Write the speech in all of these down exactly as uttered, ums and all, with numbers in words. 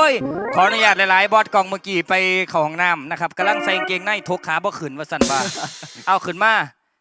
ยขออนุญาตหลายๆบอสกองเมื่อกี้ไปเข้าห้องน้ำนะครับกำลังใส่กางเกงในทกขาบ่ขึ้นว่าสั่นว่า เอาขึ้นมา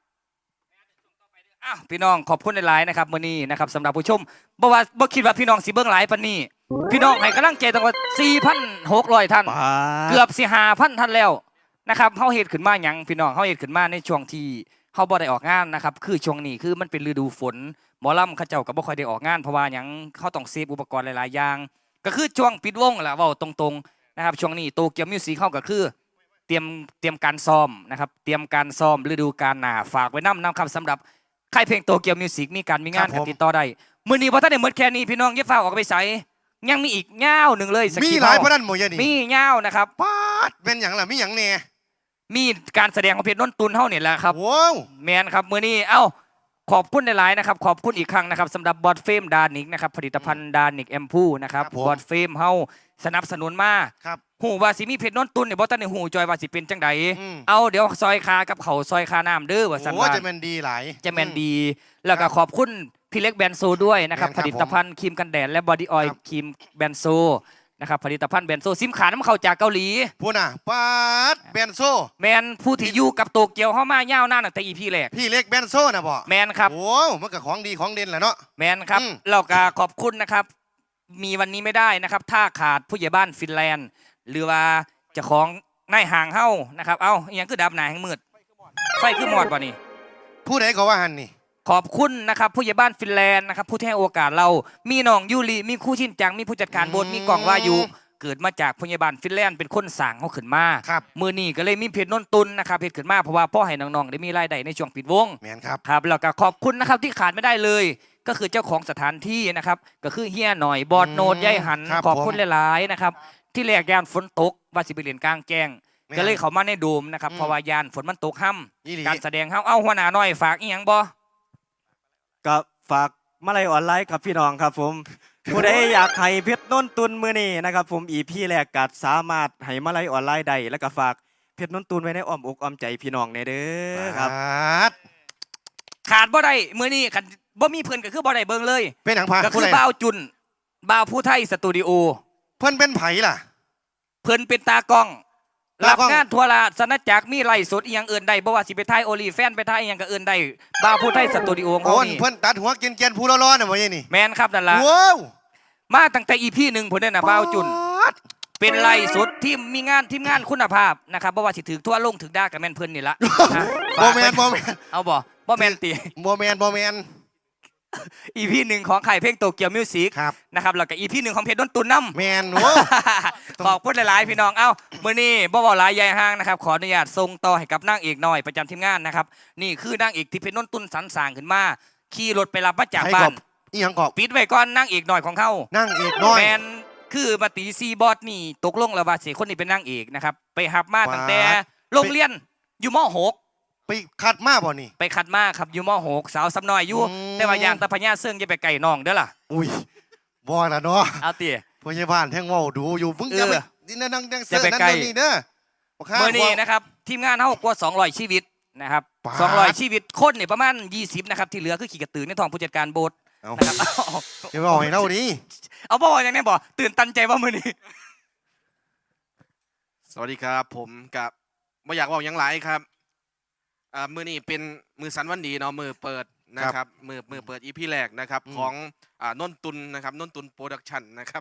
อ้าวพี่น้องขอบคุณหลายๆนะครับมื้อนี้นะครับสำหรับผู้ชมบ่ว่าบ่คิดว่าพี่น้องสิเบิ่งหลายปานนี้พี่น้องให้กำลังใจตั้งว่า สี่พันหกร้อย ท่านเกือบสิ ห้าพัน ท่านแล้วนะครับเฮาเฮ็ดขึ้นมาหยังพี่น้องเฮาเฮ็ดขึ้นมาในช่วงที่เฮาบ่ได้ออกงานนะครับคือช่วงนี้คือมันเป็นฤดูฝนหมอลำเขาเจ้าก็บ่ค่อยได้ออกงานเพราะว่าหยังเฮาต้องเซฟอุปกรณ์หลายๆอย่างก็คือช่วงปิดวงแหละเว้าตรงๆนะครับช่วงนี้โตเกียวมิวสิคเฮาก็คือเตรียมเตรียมการซ้อมนะครับเตรียมการซ้อมฤดูกาลหน้าฝากไว้นำนำครับสำหรับค่ายเพลงโตเกียวมิวสิกมีการมีงานกันติดต่อได้มื้อนี้บ่ทันได้หมดแค่นี้พี่น้องอย่าฟ้าวออกไปไสยังมีอีกยาวหนึ่งเลยมีหลายพนันหมดยันนี่มียาวนะครับปาดเป็นอย่างล่ะมีอย่างแน่มีการแสดงของเพชรนนตุนเฮาเนี่ยแหละครับว้าวแมนครับมื้อนี้เอ้าขอบคุณหลายๆนะครับขอบคุณอีกครั้งนะครับสำหรับบอดเฟมดานิกนะครับผลิตภัณฑ์ดานิกแอมพูนะครับบอดเฟมเฮาสนับสนุนมาครับหูว่าสิมีเพชรนนตุนเนี่ยบ่ทันได้หูจอยว่าสิเป็นจังไดเอาเดี๋ยวซอยคากับเขาซอยคาน้ำเด้อว่าซั่นว่าจะแม่นดีหลายจะแม่นดีแล้วก็ขอบคุณพี่เล็กแบนโซด้วยนะครับผลิตภัณฑ์ครีมกันแดดและบอดี้ออยล์ครีมแบนโซนะครับผลิตภัณฑ์แบนโซซิมขาน้ำเข้าจากเกาหลีพูดน่ะปาดแบนโซแมนผู้ที่อยู่กับโตเกียวเฮามายาวนานตั้งแต่ อี พี แรกพี่เล็กแบนโซนะบ่แมนครับโอ้มันก็ของดีของเด่นแหละเนาะแมนครับแล้วก็ขอบคุณนะครับมีวันนี้ไม่ได้นะครับถ้าขาดผู้ใหญ่บ้านฟินแลนด์หรือว่าเจ้าของนายห่างเฮานะครับเอ้าอีหยังคือดับหนาแห่งมืดไฟคือหมอดบ่นี่ผู้ใดก็ว่าหันนี่ขอบคุณนะครับผู้ใหญ่บ้านฟินแลนด์นะครับผู้ที่ให้โอกาสเรามีน้องยูริมีคู่ชินจังมีผู้จัดการโบสมีกล่องวายุเกิดมาจากผู้ใหญ่บ้านฟินแลนด์เป็นคนสั่งเขาขึ้นมามือนี้ก็เลยมีเพจนนตุนนะครับเพจขึ้นมาเพราะว่าพ่อให้น้องๆได้มีรายได้ในช่วงปิดวงแม่นครับครับแล้วก็ขอบคุณนะครับที่ขาดไม่ได้เลยก็คือเจ้าของสถานที่นะครับก็คือเฮียหน่อยบอดโนดยายหันขอบคุณหลายๆนะครับที่แรกยานฝนตกว่าสิไปเรียนกลางแจ้งก็เลยเขามาในโดมนะครับเพราะว่ายานฝนมันตกห้ำการแสดงห้ำเอาหัวหน้าหน่อยฝากอีหยังบ่กับฝากมาลัยออนไลน์กับพี่น้องครับผมผู้ใดอยากให้เพชรนนตุนมือนี้นะครับผมอีพีแรกกัดสามารถให้มาลัยออนไลน์ได้แล้วก็ฝากเพชรนนตุนไว้ในอ้อมอกอ้อมใจพี่น้องในเด้อครับขาดบ่ได้มือนี้ขันบ่มีเพื่อนก็คือบ่ได้เบิ่งเลยเป็นหนังพาก็คือบ่าวจุนบ่าวผู้ไทยสตูดิโอเพื่อนเป็นไผ่ล่ะเพื่อนเป็นตากล้องรับงานทัวร์ลาสนัดจักมีไล่สดอีหยังเอื่นได้บ่ว่าสิไปถ่ายโอลีแฟนไปถ่ายอีหยังก็เอื่นได้บ่าวผู้ไทยสตูดิโอของเขานี่เพื่อนตัดหัวเกรียนๆผู้ร้อนๆน่ะบ่นี่แม่นครับนั่นล่ะว้าวมาตั้งแต่ อี พี หนึ่งพุ่นน่ะบ่าวจุนเป็นไล่สดที่มีงานทีมงานคุณภาพนะครับบ่ว่าสิถึกทั่วลงถึกด่าก็แม่นเพิ่นนี่ล่ะบ่แม่นบ่แม่นเอาบ่บ่แม่นติบ่แม่นบ่แม่นอี พี หนึ่งของค่ายเพลงโตเกียวมิวสิกนะครับแล้วก็ อี พี หนึ่งของเพชรดนตุนน้ำแมนโว้ขอบคุณหลายๆพี่น้องเอ้ามื้อนี้บ่บ่หลายใหญ่ห้างนะครับขออนุญาตส่งต่อให้กับนางเอกน้อยประจำทีมงานนะครับนี่คือนางเอกที่เพชรดนตุนสรรสร้างขึ้นมาขี่รถไปรับมาจากบ้านอีหยังกอบปิดไว้ก่อนนางเอกน้อยของเขานางเอกน้อยแมนคือมาตีซีบอสนี่ตกลงแล้วว่าสิคนนี้เป็นนางเอกนะครับไปหับมาตั้งแต่โรงเรียนอยู่ม.หกไปคัดมาบ่นี่ไปคัดมาครับอยู่ม.หกสาวซ้ำน้อยอยู่แต่ว่ายางตะพญาเสื่องจะไปไก่น้องเด้อล่ะอุ้ยบ่ล่ะเนาะเอาติพยาบาลแท่งว่าดูอยู่มึงจะไปนี่นั่งนั่งเสือนั่นนี่เด้อเมื่อนี้นะครับทีมงานเฮากว่าสองร้อยชีวิตนะครับสองร้อยชีวิตคนนี่ประมาณยี่สิบนะครับที่เหลือคือขี่กระตือในท้องผู้จัดการโบสนะครับเดี๋ยวบอกให้เล่าดิเอาบ่อย่างนี้บ่ตื่นตันใจว่ามื้อนี้สวัสดีครับผมกับไม่อยากบอกยังหลายครับมือนี้เป็นมือสันวันดีเนาะมือเปิดนะครับมือมือเปิดอีพีแรกนะครับของนนตุนนะครับนนตุนโปรดักชั่นนะครับ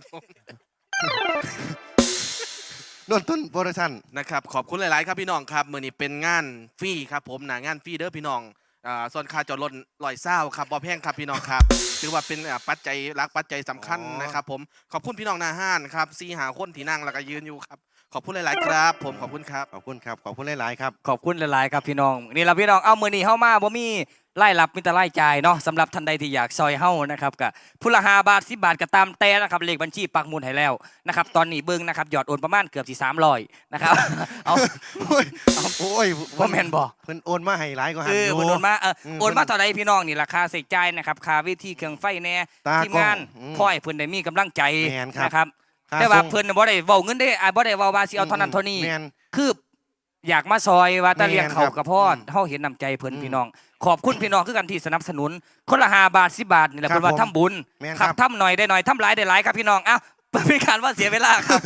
นนตุนโปรดักชั่นนะครับขอบคุณหลายๆครับพี่น้องครับมือนี้เป็นงานฟรีครับผมหนางานฟรีเด้อพี่น้องส่วนค่าจอดรถลอยเศร้าครับบอแพงครับพี่น้องครับถือว่าเป็นปัจจัยรักปัจจัยสำคัญนะครับผมขอบคุณพี่น้องนาห้านครับซีหาคนที่นั่งแล้วก็ยืนอยู่ครับขอบคุณหลายๆครับผมขอบคุณครับขอบคุณครับขอบคุณหลายๆครับขอบคุณหลายๆครับพี่น้องนี่เราพี่น้องเอามือนี้เข้ามาบ่มีไล่รับมีแต่ไล่จ่ายเนาะสำหรับท่านใดที่อยากซอยเฮ้านะครับกับผู้ละห้าบาทสิบบาทก็ตามแต่นะครับเลขบัญชีปักหมุดให้แล้วนะครับตอนนี้เบิ้งนะครับหยอดโอนประมาณเกือบสี่สามร้อยนะครับเอาโอ้ยโอ้ยพ่อแมนบอกเพิ่นโอนมาให้หลายก็หันเออเพิ่นโอนมาเออโอนมาต่อใดพี่น้องนี่ราคาใส่ใจนะครับค่าวิธีเครื่องไฟแน่ทีมงานพ่อยเพิ่นได้มีกำลังใจนะครับแต่ว่าเพิ่นบ่ได้เว้าเงินได้บ่ได้เว้าว่าสิเอาเท่านั้นเท่านี้คืออยากมาซอยว่าตะเลียงเขากระพอดเฮาเห็นน้ำใจเพิ่นพี่น้องขอบคุณพี่น้องคือกันที่สนับสนุนคนละห้าบาทสิบบาทนี่แหละเพิ่นว่าทำบุญครับทำหน่อยได้หน่อยทำหลายได้หลายครับพี่น้องเอ้าเป็นการว่าเสียเวลาครับ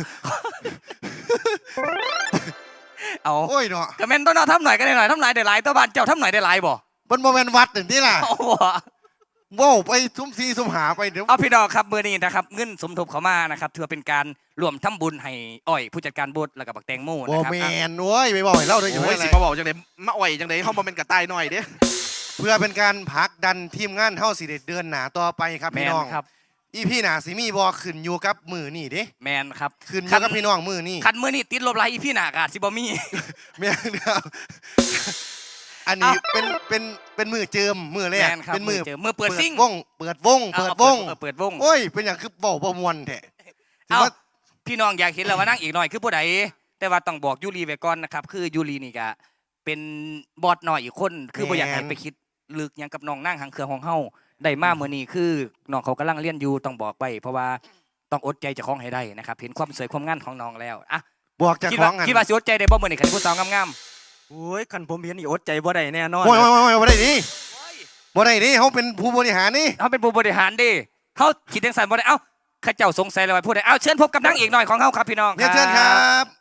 เอาโอ้ยเนาะกระแมนต้นเอาทำหน่อยก็ได้หน่อยทำหลายได้หลายตัวบ้านเจ้าทำหน่อยได้หลายบ่มันโมเมนวัดหนึ่งที่ล่ะเอาบ่โว้วไปทุ่มซีทุ่มหาไปเดี๋ยวเอาพี่น้องครับมือนี้นะครับเงินสมทบเขามานะครับถือว่าเป็นการรวมทำบุญให้อ้อยผู้จัดการบูธแล้วก็บักแตงโมโมนะครับเมอ่ะนโว้ยไปบอกให้เล่าด้วยอยู่โอ้ยไม่สิไรมาบอกจังไดมาอ่อยจังไดเฮาบ่เป็นกระต่ายน้อยเด้เพื่อเป็นการพักดันทีมงานเท่าสิเด็ดเดือนหนาต่อไปครับแมพี่นน้องครับอีพี่หนาสิมีบอขึ้นอยู่กับมือนี่เด้แมนครับขึ้นอยู่กับพี่น้องมือนี่คันมือนี้ติดลบหลายอีพี่หนากาสิบ่มีแม่นครับอันนี้เอ้าเป็นเป็นเป็นมือเจิมมือแรแมกนครับเป็นมือเจอมือเปิดซิ่งวงเปิดวงเปิดวงอาเปิดวงโอ้ยเป็นอย่างคือเบาประมวลแท้ถือเอาว่าพี่น้องอยากเห็นแล้วว่านั่งอีกหน่อยคือผู้ใดแต่ว่าต้องบอกยูรีไว้ก่อนนะครับคือยูรีนี่ก็เป็นบอสหน่อยอีกคนคือบ่อยากให้ไปคิดลึกหยังกับน้องนั่งหางเครื่องของเฮาได้มาเมื่อนี้คือน้องเขากำลังเรียนอยู่ต้องบอกไว้เพราะว่าต้องอดใจเจะคล้าของให้ได้นะครับเห็นความสวยความงามของน้องแล้วอ่ะบอกจากคิดขอว่างกันคิดว่าสิอดใจได้บ่เมื่อนี้คันผู้สาวงามโอ้ยคันผมเห็นนี่อดใจบ่ได้แน่นอนโอ้ยโอ้ยโอ้ยบ่ได้ดิบ่ได้ดิเขาเป็นผู้บริหารนี่ๆเขาเป็นผู้บริหารเดิเขาคิดจังซั่นบ่ได้เอ้าข้าเจ้าสงสัยแล้วว่าผู้ใดเอ้าเชิญพบกับนางเอกหน่อยของเฮาครับพี่น้องเนี่ยเชิญครับ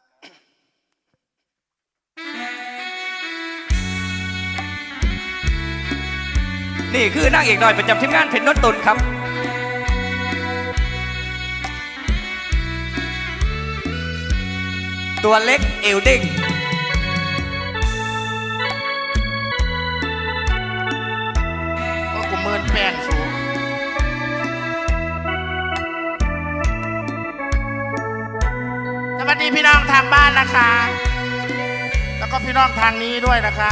นี่คือนางเอกหน่อยประจำทีมงานเพชรนนตุนครับ ตัวเล็กเอวเด้งก็กูเมินแป้งสูงสวัสดีพี่น้องทางบ้านนะคะ แล้วก็พี่น้องทางนี้ด้วยนะคะ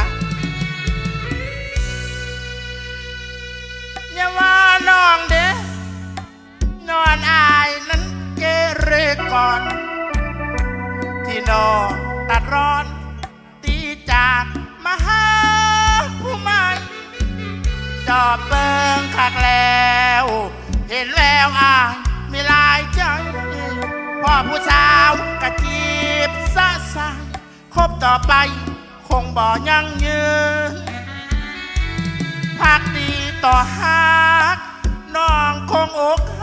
อย่าว่าน้องเด้นอนอายนั้นเกเรก่อน ที่น้องตัดร้อน ตีจากมาหาผู้ใหม่ จอบเบิงคักแล้ว เห็นแววอายมีลายใจ พ่อผู้สาวกะจีบสะสายคบต่อไปคงบ่ยั่งยืนพักดีต่อฮักน้องคงอก